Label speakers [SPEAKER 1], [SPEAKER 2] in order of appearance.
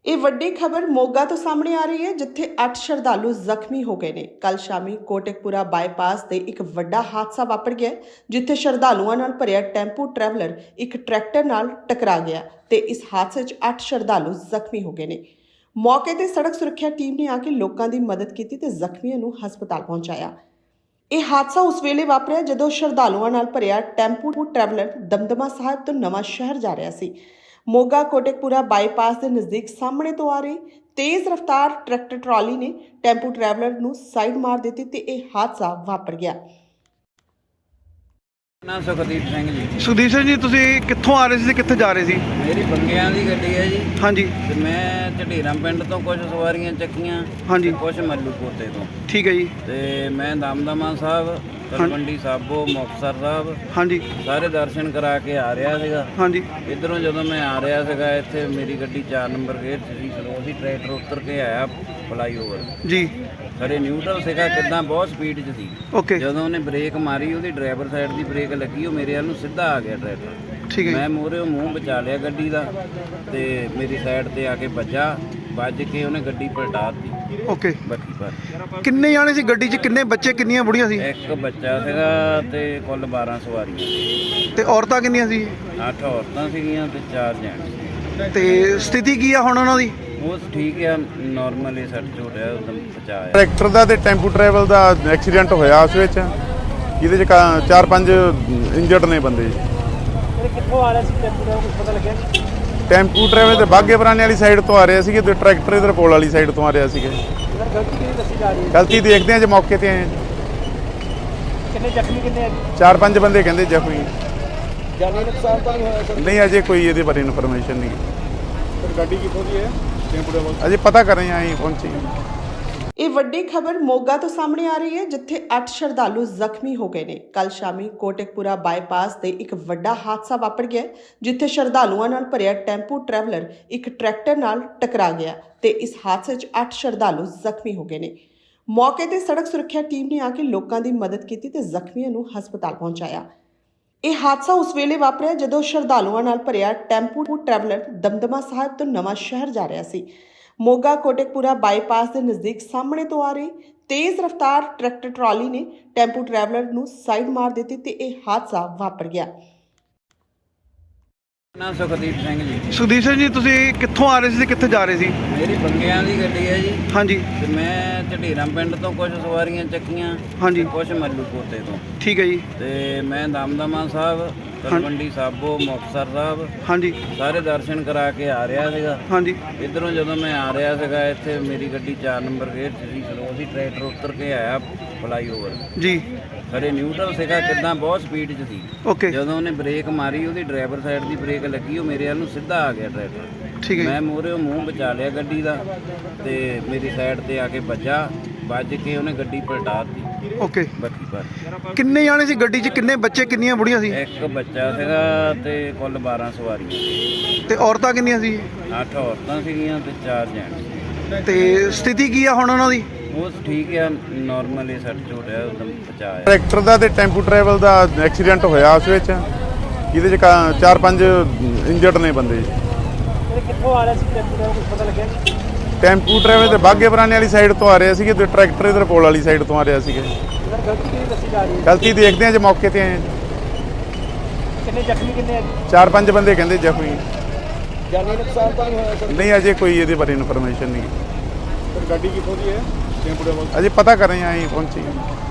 [SPEAKER 1] ਇਹ ਵੱਡੀ ਖਬਰ ਮੋਗਾ ਤੋਂ ਸਾਹਮਣੇ ਆ ਰਹੀ ਹੈ, ਜਿੱਥੇ 8 ਸ਼ਰਧਾਲੂ ਜ਼ਖਮੀ ਹੋ ਗਏ ਨੇ। ਕੱਲ ਸ਼ਾਮੀ ਕੋਟਕਪੂਰਾ ਬਾਈਪਾਸ ਤੇ ਇੱਕ ਵੱਡਾ ਹਾਦਸਾ ਵਾਪਰ ਗਿਆ, ਜਿੱਥੇ ਸ਼ਰਧਾਲੂਆਂ ਨਾਲ ਭਰਿਆ ਟੈਂਪੂ ਟਰੈਵਲਰ ਇੱਕ ਟਰੈਕਟਰ ਨਾਲ ਟਕਰਾ ਗਿਆ ਤੇ ਇਸ ਹਾਦਸੇ 'ਚ 8 ਸ਼ਰਧਾਲੂ ਜ਼ਖਮੀ ਹੋ ਗਏ ਨੇ। ਮੌਕੇ ਤੇ ਸੜਕ ਸੁਰੱਖਿਆ ਟੀਮ ਨੇ ਆ ਕੇ ਲੋਕਾਂ ਦੀ ਮਦਦ ਕੀਤੀ ਤੇ ਜ਼ਖਮੀਆਂ ਨੂੰ ਹਸਪਤਾਲ ਪਹੁੰਚਾਇਆ। ਇਹ ਹਾਦਸਾ ਉਸ ਵੇਲੇ ਵਾਪਰਿਆ ਜਦੋਂ ਸ਼ਰਧਾਲੂਆਂ ਨਾਲ ਭਰਿਆ ਟੈਂਪੂ ਟਰੈਵਲਰ ਦਮਦਮਾ ਸਾਹਿਬ ਤੋਂ ਨਵਾਂ ਸ਼ਹਿਰ ਜਾ ਰਿਹਾ ਸੀ। ਮੋਗਾ ਕੋਟਕਪੂਰਾ ਬਾਈਪਾਸ ਦੇ ਨਜ਼ਦੀਕ ਸਾਹਮਣੇ ਤੋਂ ਆ ਰਹੀ ਤੇਜ਼ ਰਫ਼ਤਾਰ ਟਰੈਕਟਰ ਟਰਾਲੀ ਨੇ ਟੈਂਪੂ ਟਰੈਵਲਰ ਨੂੰ ਸਾਈਡ ਮਾਰ ਦਿੱਤੀ ਤੇ ਇਹ ਹਾਦਸਾ ਵਾਪਰ ਗਿਆ।
[SPEAKER 2] ਨਾ ਸੁਖਦੀਪ ਸਿੰਘ ਜੀ।
[SPEAKER 3] ਸੁਖਦੀਪ ਸਿੰਘ ਜੀ, ਤੁਸੀਂ ਕਿੱਥੋਂ ਆ ਰਹੇ ਸੀ ਤੇ ਕਿੱਥੇ ਜਾ ਰਹੇ ਸੀ?
[SPEAKER 2] ਮੇਰੀ ਬੰਗਿਆਂ ਦੀ ਗੱਡੀ ਹੈ ਜੀ।
[SPEAKER 3] ਹਾਂਜੀ।
[SPEAKER 2] ਤੇ ਮੈਂ ਝਢੀਰਾਂ ਪਿੰਡ ਤੋਂ ਕੁਝ ਸਵਾਰੀਆਂ ਚੱਕੀਆਂ।
[SPEAKER 3] ਹਾਂਜੀ।
[SPEAKER 2] ਕੁਝ ਮੱਲੂ ਪੋਤੇ ਤੋਂ।
[SPEAKER 3] ਠੀਕ ਹੈ ਜੀ।
[SPEAKER 2] ਤੇ ਮੈਂ ਦਮਦਮਾ ਸਾਹਿਬ, ਤਲਵੰਡੀ ਸਾਬੋ, ਮੁਕਤਸਰ ਸਾਹਿਬ
[SPEAKER 3] ਹਾਂਜੀ
[SPEAKER 2] ਸਾਰੇ ਦਰਸ਼ਨ ਕਰਾ ਕੇ ਆ ਰਿਹਾ ਸੀਗਾ।
[SPEAKER 3] ਹਾਂਜੀ।
[SPEAKER 2] ਇੱਧਰੋਂ ਜਦੋਂ ਮੈਂ ਆ ਰਿਹਾ ਸੀਗਾ, ਇੱਥੇ ਮੇਰੀ ਗੱਡੀ 4 ਨੰਬਰ ਗੇਟ 'ਚ ਸੀ। ਅਸੀਂ ਟਰੈਕਟਰ ਉੱਤਰ ਕੇ ਆਇਆ ਫਲਾਈਓਵਰ
[SPEAKER 3] ਜੀ।
[SPEAKER 2] ਖਰੇ ਨਿਊਟਰਲ ਸੀਗਾ, ਕਿੱਦਾਂ ਬਹੁਤ ਸਪੀਡ 'ਚ ਸੀ।
[SPEAKER 3] ਓਕੇ।
[SPEAKER 2] ਜਦੋਂ ਉਹਨੇ ਬ੍ਰੇਕ ਮਾਰੀ, ਉਹਦੀ ਡਰਾਈਵਰ ਸਾਈਡ ਦੀ ਬ੍ਰੇਕ ਲੱਗੀ, ਉਹ ਮੇਰੇ ਵੱਲ ਨੂੰ ਸਿੱਧਾ ਆ ਗਿਆ ਟਰੈਕਟਰ।
[SPEAKER 3] ਠੀਕ ਹੈ।
[SPEAKER 2] ਮੈਂ ਮੂਹਰੇ ਮੂੰਹ ਬਚਾ ਲਿਆ ਗੱਡੀ ਦਾ ਤੇ ਮੇਰੀ ਸਾਈਡ ਤੇ ਆ ਕੇ ਵੱਜ ਕੇ ਉਹਨੇ ਗੱਡੀ ਪਲਟਾ ਦਿੱਤੀ।
[SPEAKER 3] ਓਕੇ।
[SPEAKER 2] ਬੱਤੀ ਪਰ
[SPEAKER 3] ਕਿੰਨੇ ਜਾਣੇ ਸੀ ਗੱਡੀ 'ਚ? ਕਿੰਨੇ ਬੱਚੇ, ਕਿੰਨੀਆਂ ਬੁੜੀਆਂ ਸੀ?
[SPEAKER 2] ਇੱਕ ਬੱਚਾ ਸੀਗਾ ਤੇ ਕੁੱਲ 12 ਸਵਾਰੀਆਂ।
[SPEAKER 3] ਤੇ ਔਰਤਾਂ ਕਿੰਨੀਆਂ ਸੀ?
[SPEAKER 2] 8 ਔਰਤਾਂ ਸੀਗੀਆਂ ਤੇ 4 ਜੈਂਟਸ।
[SPEAKER 3] ਤੇ ਸਥਿਤੀ ਕੀ ਆ ਹੁਣ ਉਹਨਾਂ ਦੀ?
[SPEAKER 2] ਉਹ ਠੀਕ ਆ, ਨਾਰਮਲ ਹੀ ਸੱਟ ਚੋਟ ਆ, ਉਦੋਂ ਬਚਾਇਆ।
[SPEAKER 4] ਟਰੈਕਟਰ ਦਾ ਤੇ ਟੈਂਪੂ ਟਰੈਵਲ ਦਾ ਐਕਸੀਡੈਂਟ ਹੋਇਆ ਉਸ ਵਿੱਚ, ਜਿਹਦੇ 'ਚ 4-5 ਇੰਜਰਡ ਨੇ ਬੰਦੇ।
[SPEAKER 5] ਕਿੱਥੋਂ ਆ ਰਿਹਾ ਸੀ ਟੈਂਪੂ ਦਾ, ਕੁਝ ਪਤਾ ਲੱਗਿਆ?
[SPEAKER 4] ਟੈਂਪੂ ਟਰੈਵਲ ਤੇ ਬਾਗੇ ਪੁਰਾਣੇ ਵਾਲੀ ਸਾਈਡ ਤੋਂ ਆ ਰਹੇ ਸੀਗੇ ਤੇ ਟਰੈਕਟਰ ਇਧਰ ਪੋਲ ਵਾਲੀ ਸਾਈਡ ਤੋਂ ਆ ਰਿਹਾ ਸੀਗਾ।
[SPEAKER 5] ਸਰ ਗਲਤੀ ਕਿਹਦੀ ਦੱਸੀ ਜਾ ਰਹੀ ਹੈ?
[SPEAKER 4] ਗਲਤੀ ਦੇਖਦੇ ਆ ਜੇ ਮੌਕੇ ਤੇ ਆਏ ਹਾਂ।
[SPEAKER 5] ਕਿੰਨੇ ਜ਼ਖਮੀ ਕਿੰਨੇ ਆ?
[SPEAKER 4] 4-5 ਬੰਦੇ ਕਹਿੰਦੇ ਜ਼ਖਮੀ।
[SPEAKER 5] ਜਾਨੀ ਨੁਕਸਾਨ ਤਾਂ ਨਹੀਂ ਹੋਇਆ ਸਰ?
[SPEAKER 4] ਨਹੀਂ, ਅਜੇ ਕੋਈ ਇਹਦੇ ਬਾਰੇ ਇਨਫੋਰਮੇਸ਼ਨ ਨਹੀਂ।
[SPEAKER 5] ਸਰ ਗੱਡੀ ਕਿੱਥੋਂ ਦੀ ਹੈ? ਟੈਂਪੂ ਦਾ
[SPEAKER 4] ਅਜੇ ਪਤਾ ਕਰ ਰਹੇ ਹਾਂ, ਅਸੀਂ ਪਹੁੰਚੇ ਹਾਂ।
[SPEAKER 1] ਇਹ ਵੱਡੀ ਖਬਰ ਮੋਗਾ ਤੋਂ ਸਾਹਮਣੇ ਆ ਰਹੀ ਹੈ, ਜਿੱਥੇ 8 ਸ਼ਰਧਾਲੂ ਜ਼ਖਮੀ ਹੋ ਗਏ ਨੇ। ਕੱਲ ਸ਼ਾਮੀ ਕੋਟਕਪੂਰਾ ਬਾਈਪਾਸ ਤੇ ਇੱਕ ਵੱਡਾ ਹਾਦਸਾ ਵਾਪਰ ਗਿਆ, ਜਿੱਥੇ ਸ਼ਰਧਾਲੂਆਂ ਨਾਲ ਭਰਿਆ ਟੈਂਪੂ ਟਰੈਵਲਰ ਇੱਕ ਟਰੈਕਟਰ ਨਾਲ ਟਕਰਾ ਗਿਆ ਤੇ ਇਸ ਹਾਦਸੇ 'ਚ 8 ਸ਼ਰਧਾਲੂ ਜ਼ਖਮੀ ਹੋ ਗਏ ਨੇ। ਮੌਕੇ ਤੇ ਸੜਕ ਸੁਰੱਖਿਆ ਟੀਮ ਨੇ ਆ ਕੇ ਲੋਕਾਂ ਦੀ ਮਦਦ ਕੀਤੀ ਤੇ ਜ਼ਖਮੀਆਂ ਨੂੰ ਹਸਪਤਾਲ ਪਹੁੰਚਾਇਆ। ਇਹ ਹਾਦਸਾ ਉਸ ਵੇਲੇ ਵਾਪਰਿਆ ਜਦੋਂ ਸ਼ਰਧਾਲੂਆਂ ਨਾਲ ਭਰਿਆ ਟੈਂਪੂ ਟਰੈਵਲਰ ਦਮਦਮਾ ਸਾਹਿਬ ਤੋਂ ਨਵਾਂ ਸ਼ਹਿਰ ਜਾ ਰਿਹਾ ਸੀ। ਮੋਗਾ ਕੋਟਕਪੂਰਾ ਬਾਈਪਾਸ ਦੇ ਨਜ਼ਦੀਕ ਸਾਹਮਣੇ ਤੋਂ ਆ ਰਹੀ ਤੇਜ਼ ਰਫ਼ਤਾਰ ਟਰੈਕਟਰ ਟਰਾਲੀ ਨੇ ਟੈਂਪੂ ਟਰੈਵਲਰ ਨੂੰ ਸਾਈਡ ਮਾਰ ਦਿੱਤੀ ਤੇ ਇਹ ਹਾਦਸਾ ਵਾਪਰ ਗਿਆ।
[SPEAKER 2] ਨਾ ਸੁਖਦੀਪ ਸਿੰਘ ਜੀ।
[SPEAKER 3] ਸੁਖਦੀਪ ਸਿੰਘ ਜੀ, ਤੁਸੀਂ ਕਿੱਥੋਂ ਆ ਰਹੇ ਸੀ ਤੇ ਕਿੱਥੇ ਜਾ ਰਹੇ ਸੀ?
[SPEAKER 2] ਮੇਰੀ ਬੰਗਿਆਂ ਦੀ ਗੱਡੀ ਹੈ ਜੀ।
[SPEAKER 3] ਹਾਂਜੀ।
[SPEAKER 2] ਤੇ ਮੈਂ ਝਢੀਰਾਂ ਪਿੰਡ ਤੋਂ ਕੁਝ ਸਵਾਰੀਆਂ ਚੱਕੀਆਂ।
[SPEAKER 3] ਹਾਂਜੀ।
[SPEAKER 2] ਕੁਝ ਮੱਲੂ ਪੋਤੇ ਤੋਂ।
[SPEAKER 3] ਠੀਕ ਹੈ ਜੀ।
[SPEAKER 2] ਤੇ ਮੈਂ ਦਮਦਮਾ ਸਾਹਿਬ, ਤਲਵੰਡੀ ਸਾਬੋ, ਮੁਕਤਸਰ ਸਾਹਿਬ
[SPEAKER 3] ਹਾਂਜੀ
[SPEAKER 2] ਸਾਰੇ ਦਰਸ਼ਨ ਕਰਾ ਕੇ ਆ ਰਿਹਾ ਸੀਗਾ।
[SPEAKER 3] ਹਾਂਜੀ।
[SPEAKER 2] ਇੱਧਰੋਂ ਜਦੋਂ ਮੈਂ ਆ ਰਿਹਾ ਸੀਗਾ, ਇੱਥੇ ਮੇਰੀ ਗੱਡੀ 4 ਨੰਬਰ ਗੇਟ 'ਚ ਸੀ। ਅਸੀਂ ਟਰੈਕਟਰ ਉੱਤਰ ਕੇ ਆਇਆ ਫਲਾਈਓਵਰ ਜੀ। ਖਰੇ ਨਿਊਟਰਲ ਸੀਗਾ, ਕਿੱਦਾਂ ਬਹੁਤ ਸਪੀਡ 'ਚ ਸੀ।
[SPEAKER 3] ਓਕੇ।
[SPEAKER 2] ਜਦੋਂ ਉਹਨੇ ਬ੍ਰੇਕ ਮਾਰੀ, ਉਹਦੀ ਡਰਾਈਵਰ ਸਾਈਡ ਦੀ ਬ੍ਰੇਕ ਲੱਗੀ, ਉਹ ਮੇਰੇ ਵੱਲ ਨੂੰ ਸਿੱਧਾ ਆ ਗਿਆ ਟਰੈਕਟਰ।
[SPEAKER 3] ਠੀਕ ਹੈ।
[SPEAKER 2] ਮੈਂ ਮੂਹਰੇ ਮੂੰਹ ਬਚਾ ਲਿਆ ਗੱਡੀ ਦਾ ਤੇ ਮੇਰੀ ਸਾਈਡ ਤੇ ਆ ਕੇ ਵੱਜ ਕੇ ਉਹਨੇ ਗੱਡੀ ਪਲਟਾ ਦਿੱਤੀ।
[SPEAKER 3] ਓਕੇ।
[SPEAKER 2] ਬੱਤੀ ਪਰ
[SPEAKER 3] ਕਿੰਨੇ ਜਾਣੇ ਸੀ ਗੱਡੀ 'ਚ? ਕਿੰਨੇ ਬੱਚੇ, ਕਿੰਨੀਆਂ ਬੁੜੀਆਂ ਸੀ?
[SPEAKER 2] ਇੱਕ ਬੱਚਾ ਸੀਗਾ ਤੇ ਕੁੱਲ 12 ਸਵਾਰੀਆਂ।
[SPEAKER 3] ਤੇ ਔਰਤਾਂ ਕਿੰਨੀਆਂ ਸੀ?
[SPEAKER 2] 8 ਔਰਤਾਂ ਸੀਗੀਆਂ ਤੇ 4 ਜੈਂਟਸ।
[SPEAKER 3] ਤੇ ਸਥਿਤੀ ਕੀ ਆ ਹੁਣ ਉਹਨਾਂ ਦੀ?
[SPEAKER 2] ਉਹ ਠੀਕ ਆ, ਨਾਰਮਲ ਹੀ ਸੱਟ ਚੋਟ ਆ, ਉਦੋਂ ਬਚਾਇਆ।
[SPEAKER 4] ਟਰੈਕਟਰ ਦਾ ਤੇ ਟੈਂਪੂ ਟਰੈਵਲ ਦਾ ਐਕਸੀਡੈਂਟ ਹੋਇਆ ਉਸ ਵਿੱਚ, ਜਿਹਦੇ 'ਚ 4-5 ਇੰਜਰਡ ਨੇ ਬੰਦੇ।
[SPEAKER 5] ਕਿੱਥੋਂ ਆ ਰਿਹਾ ਸੀ ਟੈਂਪੂ ਦਾ, ਕੁਝ ਪਤਾ ਲੱਗਿਆ?
[SPEAKER 4] ਟੈਂਪੂ ਟਰੈਵਲ ਤੇ ਬਾਗੇ ਪੁਰਾਣੇ ਵਾਲੀ ਸਾਈਡ ਤੋਂ ਆ ਰਹੇ ਸੀਗੇ ਤੇ ਟਰੈਕਟਰ ਇਧਰ ਪੋਲ ਵਾਲੀ ਸਾਈਡ ਤੋਂ ਆ ਰਿਹਾ ਸੀਗਾ।
[SPEAKER 5] ਸਰ ਗਲਤੀ ਕਿਹਦੀ ਦੱਸੀ ਜਾ ਰਹੀ ਹੈ?
[SPEAKER 4] ਗਲਤੀ ਦੇਖਦੇ ਆ ਜੇ ਮੌਕੇ ਤੇ ਆਏ ਹਾਂ।
[SPEAKER 5] ਕਿੰਨੇ ਜ਼ਖਮੀ ਕਿੰਨੇ ਆ?
[SPEAKER 4] 4-5 ਬੰਦੇ ਕਹਿੰਦੇ ਜ਼ਖਮੀ।
[SPEAKER 5] ਜਾਨੀ ਨੁਕਸਾਨ ਤਾਂ ਨਹੀਂ ਹੋਇਆ ਸਰ?
[SPEAKER 4] ਨਹੀਂ, ਅਜੇ ਕੋਈ ਇਹਦੇ ਬਾਰੇ ਇਨਫੋਰਮੇਸ਼ਨ ਨਹੀਂ।
[SPEAKER 5] ਸਰ ਗੱਡੀ ਕਿੱਥੋਂ ਦੀ ਹੈ? ਟੈਂਪੂ ਦਾ
[SPEAKER 4] ਅਜੇ ਪਤਾ ਕਰ ਰਹੇ ਹਾਂ, ਅਸੀਂ ਪਹੁੰਚੇ ਹਾਂ।